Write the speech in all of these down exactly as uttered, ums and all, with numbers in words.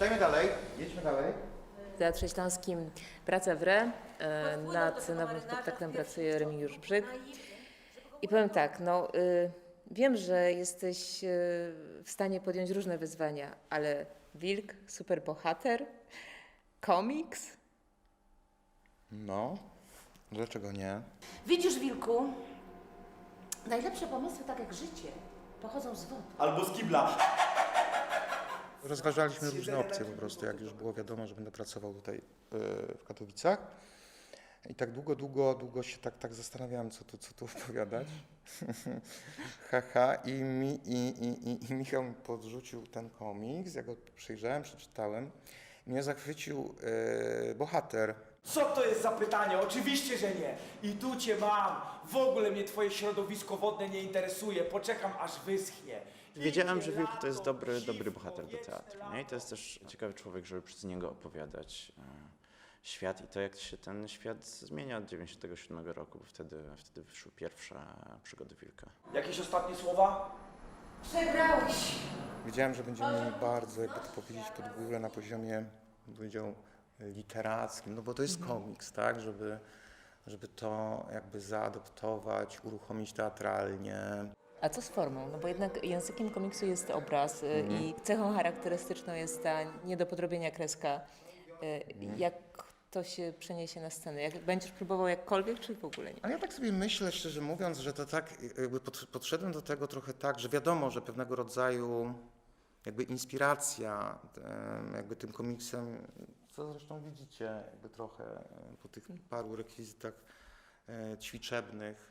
Czytajmy dalej, jedźmy dalej. W Teatrze Śląskim Praca w Re. E, nad nowym spektaklem pracuje Remigiusz Brzyk. I powiem tak, no y, wiem, że jesteś y, w stanie podjąć różne wyzwania, ale wilk, superbohater, komiks? No, dlaczego nie? Widzisz, wilku, najlepsze pomysły, tak jak życie, pochodzą z wody. Albo z kibla. Rozważaliśmy różne opcje po prostu, jak już było wiadomo, że będę pracował tutaj yy, w Katowicach. I tak długo, długo, długo się tak, tak zastanawiałem, co tu, co tu opowiadać. Haha, i, mi, i, i, i, i Michał mi podrzucił ten komiks, ja go przejrzałem, przeczytałem. Mnie zachwycił yy, bohater. Co to jest za pytanie? Oczywiście, że nie. I tu cię mam. W ogóle mnie twoje środowisko wodne nie interesuje. Poczekam, aż wyschnie. Wiedziałem, że Idzie Wilk to jest lato, dobry, dobry siwko, bohater do wieczne teatru. lato. Nie? I to jest też ciekawy człowiek, żeby przez niego opowiadać e, świat i to, jak się ten świat zmienia od dziewięćdziesiątego siódmego roku, bo wtedy, wtedy wyszły pierwsze przygody Wilka. Jakieś ostatnie słowa? Przegrałeś. Wiedziałem, że będzie mi bardzo, jakby to powiedzieć, pod górę na poziomie, bym powiedział, literackim, no bo to jest komiks, tak, żeby, żeby to jakby zaadoptować, uruchomić teatralnie. A co z formą? No bo jednak językiem komiksu jest obraz y, Mhm. i cechą charakterystyczną jest ta nie do podrobienia kreska. Y, Jak to się przeniesie na scenę? Jak będziesz próbował jakkolwiek, czy w ogóle nie? Ale ja tak sobie myślę, szczerze mówiąc, że to tak, jakby pod, podszedłem do tego trochę tak, że wiadomo, że pewnego rodzaju jakby inspiracja em, jakby tym komiksem, co zresztą widzicie jakby trochę e, po tych paru rekwizytach e, ćwiczebnych,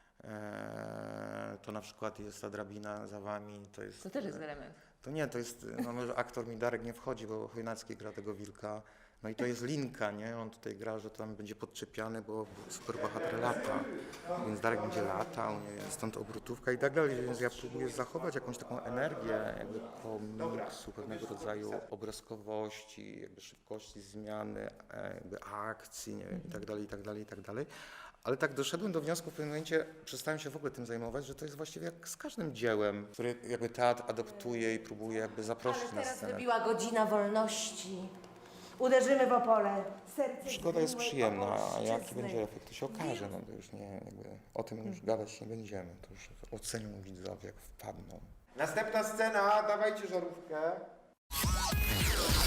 e, to na przykład jest ta drabina za wami, to jest... To też jest element. To nie, to jest, no może aktor mi Darek nie wchodzi, bo Chojnacki gra tego wilka, no i to jest linka, nie? On tutaj gra, że tam będzie podczepiany, bo superbohater lata, więc Darek będzie latał, nie? Stąd obrotówka i tak dalej, więc ja próbuję zachować jakąś taką energię jakby komiksu, pewnego rodzaju obrazkowości, jakby szybkości zmiany, e, jakby akcji, nie wiem, i tak dalej, i tak dalej, i tak dalej. Ale tak doszedłem do wniosku w pewnym momencie, przestałem się w ogóle tym zajmować, że to jest właściwie jak z każdym dziełem, które jakby teatr adoptuje i próbuje jakby zaprosić Ale na teraz scenę. wybiła godzina wolności. Uderzymy w opole. Serce Przygoda jest zgniłej przyjemna, a jaki ojczyzny. będzie efekt, to się okaże, no to już nie, jakby o tym już gadać nie będziemy, to już ocenią widzowie, jak wpadną. Następna scena, dawajcie żarówkę.